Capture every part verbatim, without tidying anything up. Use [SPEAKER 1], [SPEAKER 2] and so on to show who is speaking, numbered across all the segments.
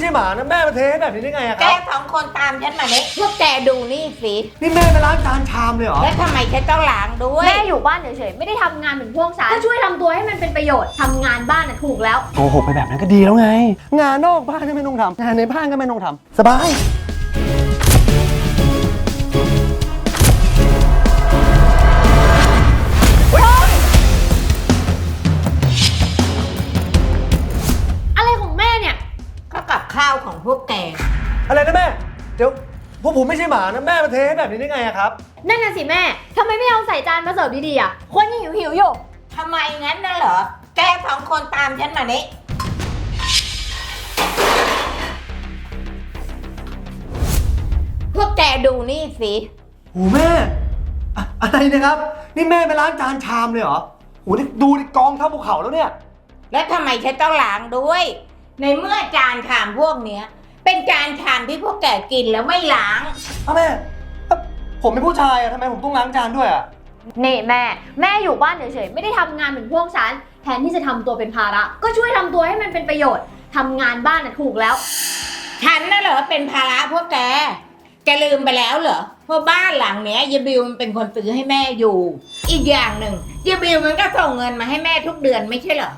[SPEAKER 1] หมานะแม่มาเทให้แบบนี้ได้ไงอะค
[SPEAKER 2] แก
[SPEAKER 1] รับ
[SPEAKER 2] สองคนตามฉันมาเนี่ยพวกแกดูนี่สิ
[SPEAKER 1] นี่แม่ไปล้างจานชามเลยเหรอ
[SPEAKER 2] แล้วทำไมฉันต้องล้างด้วย
[SPEAKER 3] แม่อยู่บ้านเฉยๆไม่ได้ทำงานเหมือนพวกฉันก็ช่วยทำตัวให้มันเป็นประโยชน์ทำงานบ้านน่ะถูกแล้ว
[SPEAKER 1] โกหกไปแบบนั้นก็ดีแล้วไง งานนอกบ้านก็ไม่ต้องทำงานในบ้านก็ไม่ต้องทำสบาย
[SPEAKER 3] อะไรของแม่เนี่ย
[SPEAKER 2] ก็กับข้าวของพวกแก
[SPEAKER 1] อะไรนะแม่ เดี๋ยวพวกผมไม่ใช่หมานะแม่มาเทให้แบบนี้ได้ไงอะครับ
[SPEAKER 3] นั่นน่ะสิแม่ทำไมไม่เอาใส่จานมาเสิร์ฟดีๆอ่ะคนยังหิวหิวๆอยู่
[SPEAKER 2] ทำไมงั้นน่ะเหรอ แกสองคนตามฉันมาเนี่ยพวกแกดูนี่สิ
[SPEAKER 1] โอ้แม่อะอะไรนะครับ นี่แม่ไปล้างจานชามเลยเหรอโอ้นี่ดูดิกองเท่าภูเขาแล้วเนี่ย
[SPEAKER 2] แล้วทำไมฉันต้องล้างด้วย ในเมื่อจานชามพวกเนี้ย เป็นจานชามที่พวกแกกินแล้วไม่ล้าง
[SPEAKER 1] เอาแม่เอ้าผมเป็นผู้ชายอะทำไมผมต้องล้างจานด้วยอะ
[SPEAKER 3] นี่แม่แม่อยู่บ้านเฉยๆไม่ได้ทำงานเหมือนพวกฉันแทนที่จะทำตัวเป็นภาระ ก็ช่วยทำตัวให้มันเป็นประโยชน์ทำงานบ้านน่ะถูกแล้ว
[SPEAKER 2] ฉันน่ะเหรอเป็นภาระพวกแก แกลืมไปแล้วเหรอว่าบ้านหลังเนี้ยยายบิวมันเป็นคนซื้อให้แม่อยู่ อีกอย่างหนึ่งยายบิวมันก็ส่งเงินมาให้แม่ทุกเดือนไม่ใช่เหรอ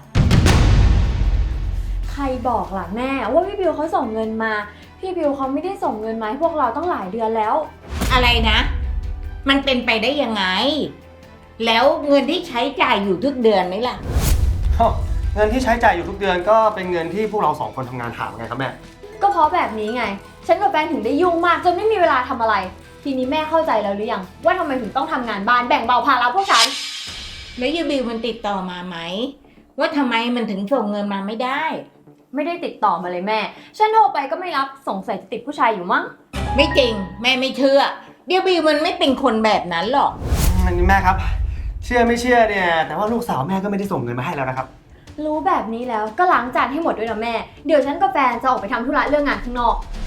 [SPEAKER 3] ใครบอกล่ะแม่ว่าพี่บิวเขาส่งเงินมาพี่บิวเขาไม่ได้ส่งเงินมาให้พวกเราตั้งหลายเดือนแล้ว
[SPEAKER 2] อะไรนะ มันเป็นไปได้ยังไง แล้วเงินที่ใช้จ่ายอยู่ทุกเดือนไหมล่ะ
[SPEAKER 1] อ้าวเงินที่ใช้จ่ายอยู่ทุกเดือนก็เป็นเงินที่พวกเราสองคนทำงานหาไงครับแม่
[SPEAKER 3] ก็เพราะแบบนี้ไง ฉันกับแฟนถึงได้ยุ่งมากจนไม่มีเวลาทำอะไร ทีนี้แม่เข้าใจแล้วหรือยังว่าทำไมถึงต้องทำงานบ้านแบ่งเบาภาระพวกฉัน
[SPEAKER 2] แล้วยายบิวมันติดต่อมาไหมว่าทำไมมันถึงส่งเงินมาไม่ได้
[SPEAKER 3] ไม่ได้ติดต่อมาเลยแม่ ฉันโทรไปก็ไม่รับสงสัยจะติดผู้ชายอยู่มั้ง
[SPEAKER 2] ไม่จริง แม่ไม่เชื่อเดี๋ยวบิวมันไม่เป็นคนแบบนั้นหรอก
[SPEAKER 1] อันนี้แม่ครับ เชื่อไม่เชื่อเนี่ย แต่ว่าลูกสาวแม่ก็ไม่ได้ส่งเงินมาให้แล้วนะครับ
[SPEAKER 3] รู้แบบนี้แล้วก็ล้างจานให้หมดด้วยนะแม่ เดี๋ยวฉันกับแฟนจะออกไปทำธุระเรื่องงานข้างนอก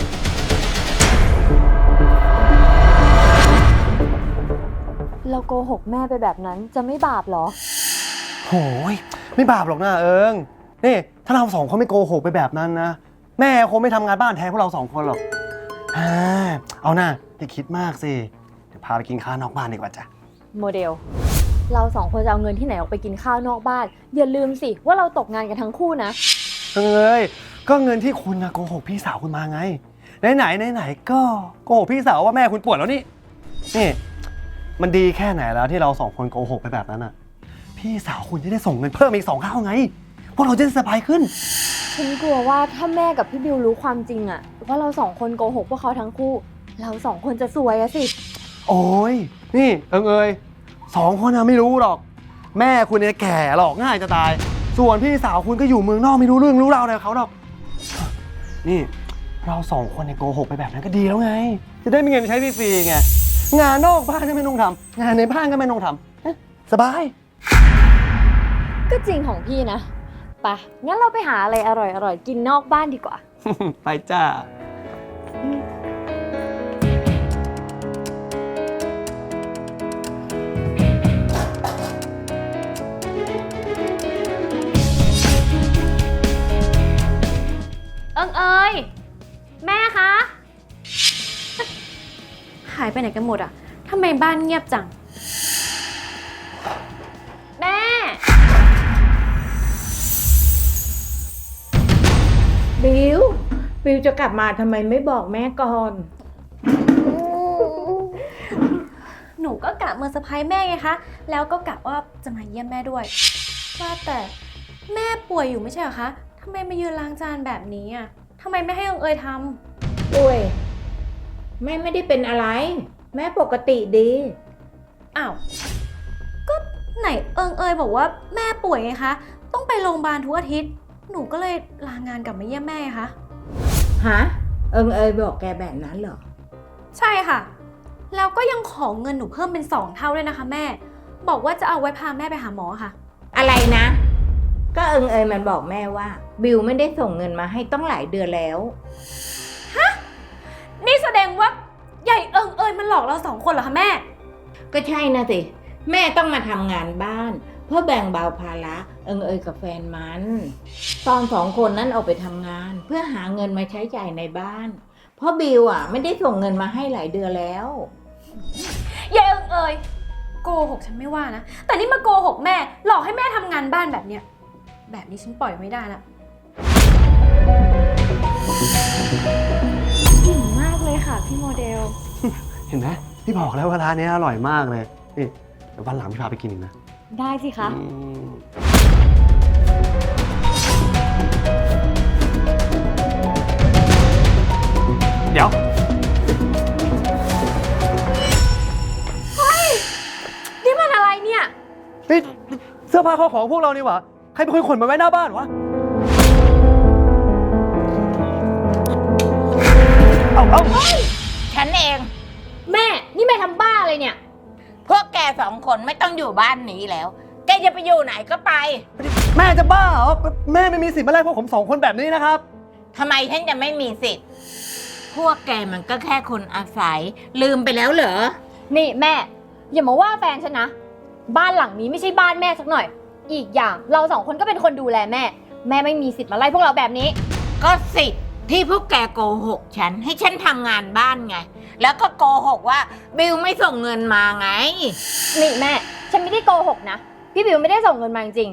[SPEAKER 3] เราโกหกแม่ไปแบบนั้นจะไม่บาปหรอ
[SPEAKER 1] โหยไม่บาปหรอกนะเอิงนี่ถ้าเราสองคนไม่โกหกไปแบบนั้นนะแม่คงไม่ทำงานบ้านแทนพวกเราสองคนหรอกอ่าเอาหน้าอย่าคิดมากสิเดี๋ยวพาไปกินข้าวนอกบ้านดีกว่าจ้ะ
[SPEAKER 3] โมเดล เราสองคนจะเอาเงินที่ไหนออกไปกินข้าวนอกบ้าน อย่าลืมสิว่าเราตกงานกันทั้งคู่นะ
[SPEAKER 1] เอ้ยก็เงินที่คุณนะโกหกพี่สาวคุณมาไงไหนไหนไหนไหนก็โกหกพี่สาวว่าแม่คุณป่วยแล้วนี่นี่มันดีแค่ไหนแล้วที่เราสองคนโกหกไปแบบนั้นอ่ะพี่สาวคุณจะได้ส่งเงินเพิ่มอีกสองเท่าไงพวกเราจะได้สบายขึ้น
[SPEAKER 3] ฉันกลัวว่าถ้าแม่กับพี่บิวรู้ความจริงอะว่าเราสองคนโกหกพวกเขาทั้งคู่ เราสองคนจะซวยอะสิ
[SPEAKER 1] โอ้ยนี่เอิงเอยสองคนนะไม่รู้หรอก แม่คุณเนี่ยแก่หรอกง่ายจะตาย ส่วนพี่สาวคุณก็อยู่เมืองนอกไม่รู้เรื่องรู้ราวอะไรกับเขาหรอกนี่เราสองคนเนี่ยโกหกไปแบบนั้นก็ดีแล้วไง จะได้มีเงินใช้ฟรีๆไงงานนอกบ้านก็ไม่ต้องทำงานในบ้านก็ไม่ต้องทำเอ๊ะสบาย
[SPEAKER 3] ก็จริงของพี่นะไปงั้นเราไปหาอะไรอร่อยๆกินนอกบ้านดีกว่า
[SPEAKER 1] ไปจ้า
[SPEAKER 3] เอิงเอยแม่คะ
[SPEAKER 4] หายไปไหนกันหมดอ่ะทำไมบ้านเงียบจัง
[SPEAKER 3] แม่
[SPEAKER 2] บิว บิวจะกลับมาทำไมไม่บอกแม่ก่อน
[SPEAKER 4] หนูก็กะเมื่อเซอร์ไพรส์แม่ไงคะ แล้วก็กะว่าจะมาเยี่ยมแม่ด้วย ว่าแต่แม่ป่วยอยู่ไม่ใช่เหรอคะทำไมมายืนล้างจานแบบนี้อ่ะทำไมไม่ให้องเอยทำ
[SPEAKER 2] อุ้ยแม่ไม่ได้เป็นอะไร แม่ปกติดี
[SPEAKER 4] อ้าว ก็ไหนเอิงเอยบอกว่าแม่ป่วยไงคะ ต้องไปโรงพยาบาลทุกอาทิตย์ หนูก็เลยลางานกลับมาเยี่ยมแม่ไงคะ
[SPEAKER 2] ฮะ เอิงเอยบอกแกแบบนั้นเหรอ
[SPEAKER 4] ใช่ค่ะ แล้วก็ยังขอเงินหนูเพิ่มเป็นสองเท่าด้วยนะคะแม่ บอกว่าจะเอาไว้พาแม่ไปหาหมอค่ะ
[SPEAKER 2] อะไรนะ ก็เอิงเอยมันบอกแม่ว่า บิวไม่ได้ส่งเงินมาให้ต้องหลายเดือนแล้ว
[SPEAKER 4] นี่แสดงว่าใหญ่เอิงเอยมันหลอกเราสองคนเหรอคะแม่
[SPEAKER 2] ก็ใช่นะสิ แม่ต้องมาทำงานบ้านเพื่อแบ่งเบาภาระเอิงเอยกับแฟนมัน ตอนสองคนนั้นออกไปทำงาน เพื่อหาเงินมาใช้จ่ายในบ้าน เพราะบิวอ่ะไม่ได้ส่งเงินมาให้หลายเดือนแล้ว
[SPEAKER 3] เย้เอิงเอยโกหกฉันไม่ว่านะ แต่นี่มาโกหกแม่ หลอกให้แม่ทำงานบ้านแบบเนี้ย แบบนี้ฉันปล่อยไม่ได้ละอิ่มมากเลยค่ะพี่โมเดล
[SPEAKER 1] เห็นไหมพี่บอกแล้วว่าร้านนี้อร่อยมากเลยนี่เดี๋ยววันหลังพี่พาไปกินอีกนะ
[SPEAKER 3] ได้สิคะ
[SPEAKER 1] อืมเดี๋ยว
[SPEAKER 3] นี่มันอะไรเนี่ย
[SPEAKER 1] นี่เสื้อผ้าข้าวของพวกเรานี่หว่าใครเป็นคนขนมาไว้หน้าบ้านวะ เอาเอา
[SPEAKER 2] ฉันเอง
[SPEAKER 3] แม่ นี่แม่ทำบ้าอะไรเนี่ย
[SPEAKER 2] พวกแกสองคนไม่ต้องอยู่บ้านนี้แล้ว แกจะไปอยู่ไหนก็ไป
[SPEAKER 1] แม่จะบ้าเหรอ แม่ไม่มีสิทธิ์มาไล่พวกผมสองคนแบบนี้นะครับ
[SPEAKER 2] ทำไมฉันจะไม่มีสิทธิ์ พวกแกมันก็แค่คนอาศัย ลืมไปแล้วเหรอ
[SPEAKER 3] นี่แม่ อย่ามาว่าแฟนฉันนะ บ้านหลังนี้ไม่ใช่บ้านแม่สักหน่อย อีกอย่างเราสองคนก็เป็นคนดูแลแม่ แม่ไม่มีสิทธิ์มาไล่พวกเราแบบนี้
[SPEAKER 2] ก็สิทธิ์ที่พวกแกโกหกฉันให้ฉันทำงานบ้านไง แล้วก็โกหกว่าบิวไม่ส่งเงินมาไง
[SPEAKER 3] นี่แม่ ฉันไม่ได้โกหกนะ พี่บิวไม่ได้ส่งเงินมาจริง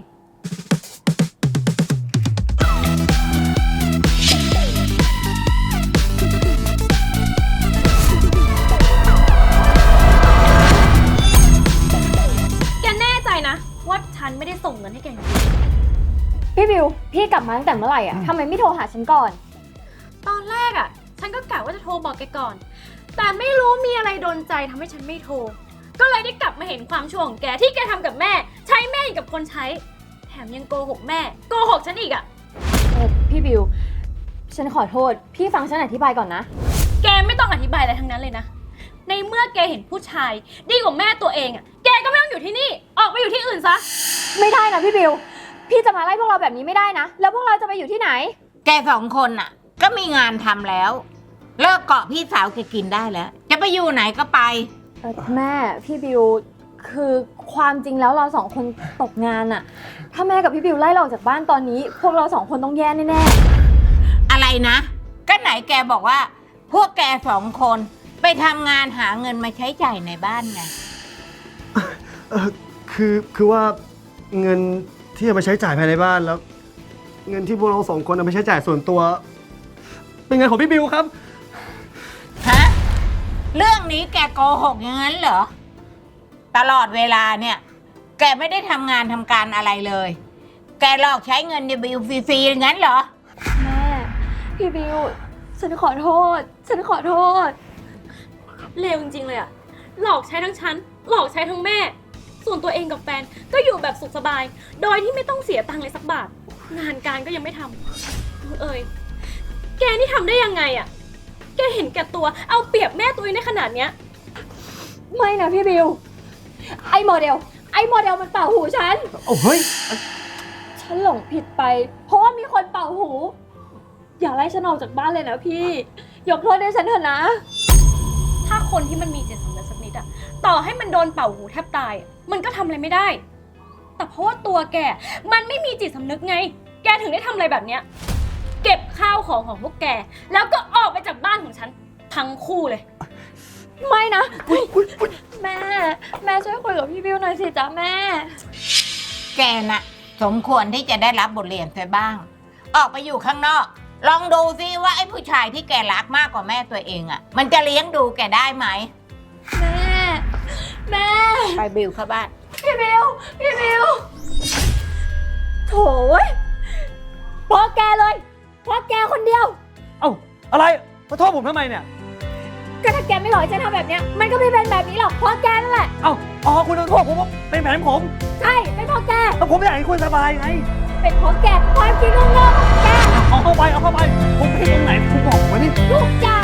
[SPEAKER 4] แกแน่ใจนะว่าฉันไม่ได้ส่งเงินให้แกจริง
[SPEAKER 3] ๆพี่บิว พี่กลับมาตั้งแต่เมื่อไหร่อ่ะทำไมไม่โทรหาฉันก่อน
[SPEAKER 4] ตอนแรกอ่ะ ฉันก็กะว่าจะโทรบอกแกก่อน แต่ไม่รู้มีอะไรโดนใจทำให้ฉันไม่โทร ก็เลยได้กลับมาเห็นความชั่วของแกที่แกทำกับแม่ ใช้แม่อย่างกับคนใช้ แถมยังโกหกแม่ โกหกฉันอีกอ่ะ
[SPEAKER 3] เออพี่บิว ฉันขอโทษ พี่ฟังฉันอธิบายก่อนนะ
[SPEAKER 4] แกไม่ต้องอธิบายอะไรทั้งนั้นเลยนะ ในเมื่อแกเห็นผู้ชายดีกว่าแม่ตัวเองอ่ะ แกก็ไม่ต้องอยู่ที่นี่ ออกไปอยู่ที่อื่นซะ
[SPEAKER 3] ไม่ได้นะพี่บิว พี่จะมาไล่พวกเราแบบนี้ไม่ได้นะ แล้วพวกเราจะไปอยู่ที่ไหน
[SPEAKER 2] แกสองคนน่ะ ก็มีงานทำแล้ว เลิกเกาะพี่สาวแกกินได้แล้ว จะไปอยู่ไหนก็ไป
[SPEAKER 3] เออแม่พี่บิวคือความจริงแล้วเราสองคนตกงานอะถ้าแม่กับพี่บิวไล่เราออกจากบ้านตอนนี้ พวกเราสองคนต้องแย่แน่
[SPEAKER 2] อะไรนะ ก็ไหนแกบอกว่า พวกแกสองคนไปทำงานหาเงินมาใช้จ่ายในบ้านไง
[SPEAKER 1] เออคือคือว่าเงินที่จะมาใช้จ่ายภายในบ้านแล้ว เงินที่พวกเราสองคนเอาไปใช้จ่ายส่วนตัว เป็นเงินของพี่บิวครับ
[SPEAKER 2] ฮะ เรื่องนี้แกโกหกอย่างนั้นเหรอ ตลอดเวลาเนี่ย แกไม่ได้ทำงานทำการอะไรเลย แกหลอกใช้เงินในบิลฟรีๆอย่างนั้นเหรอ
[SPEAKER 3] ๆแม่พี่บิวฉันขอโทษ ฉันขอโทษ
[SPEAKER 4] เลวจริงๆเลยอะหลอกใช้ทั้งฉัน หลอกใช้ทั้งแม่ ส่วนตัวเองกับแฟนก็อยู่แบบสุขสบาย โดยที่ไม่ต้องเสียตังค์เลยสักบาท งานการก็ยังไม่ทำเอ้ยแกนี่ทำได้ยังไงอะแกเห็นแก่ตัว เอาเปรียบแม่ตัวเองในขนาดเนี้ย
[SPEAKER 3] ไม่นะพี่บิว ไอโมเดล ไอโมเดลมันเป่าหูฉัน
[SPEAKER 1] โอ้เฮ้ย
[SPEAKER 3] ฉันหลงผิดไป เพราะว่ามีคนเป่าหู อย่าไล่ฉันออกจากบ้านเลยนะพี่ ยกโทษให้ฉันเถอะนะ
[SPEAKER 4] ถ้าคนที่มันมีจิตสำนึกสักนิดอะต่อให้มันโดนเป่าหูแทบตายอะมันก็ทำอะไรไม่ได้ แต่เพราะว่าตัวแก มันไม่มีจิตสำนึกไง แกถึงได้ทำอะไรแบบเนี้ย เก็บข้าวของของพวกแก แล้วก็ออกไปจากบ้านของฉันทั้งคู่เลย
[SPEAKER 3] ไม่นะ แม่ แม่ช่วยคุยกับพี่บิวหน่อยสิจ๊ะแม่
[SPEAKER 2] แกน่ะ สมควรที่จะได้รับบทเรียนไปบ้าง ออกไปอยู่ข้างนอก ลองดูซิว่าไอ้ผู้ชายที่แกรักมากกว่าแม่ตัวเองอะ่ะ มันจะเลี้ยงดูแกได้ไหม
[SPEAKER 3] แม่ แม่
[SPEAKER 2] ไปบิวเข้าบ้าน
[SPEAKER 3] พี่บิว พี่บิว โถ่เว้ยเพราะแกเลยเพราะแกคนเดียว
[SPEAKER 1] เอ้า อะไร มาโทษผมทำไมเนี่ย
[SPEAKER 3] ก็ถ้าแกไม่หลอกฉันทำแบบเนี้ย มันก็ไม่เป็นแบบนี้หรอกเพราะแกนั่นแหละ
[SPEAKER 1] เอ้า อ๋อ คุณต้องโทษผมว่าเป็นแผนผม
[SPEAKER 3] ใช่ เป็นเพราะแก
[SPEAKER 1] แล้วผมไม่อยากให้คุณสบายไง
[SPEAKER 3] เป็นเพราะแก ความคิดโง่ๆของแก
[SPEAKER 1] เอาเข้าไป เอาเข้าไป ผมผิดตรงไหน คุณบอกผมมานี่
[SPEAKER 3] ทุกอย่าง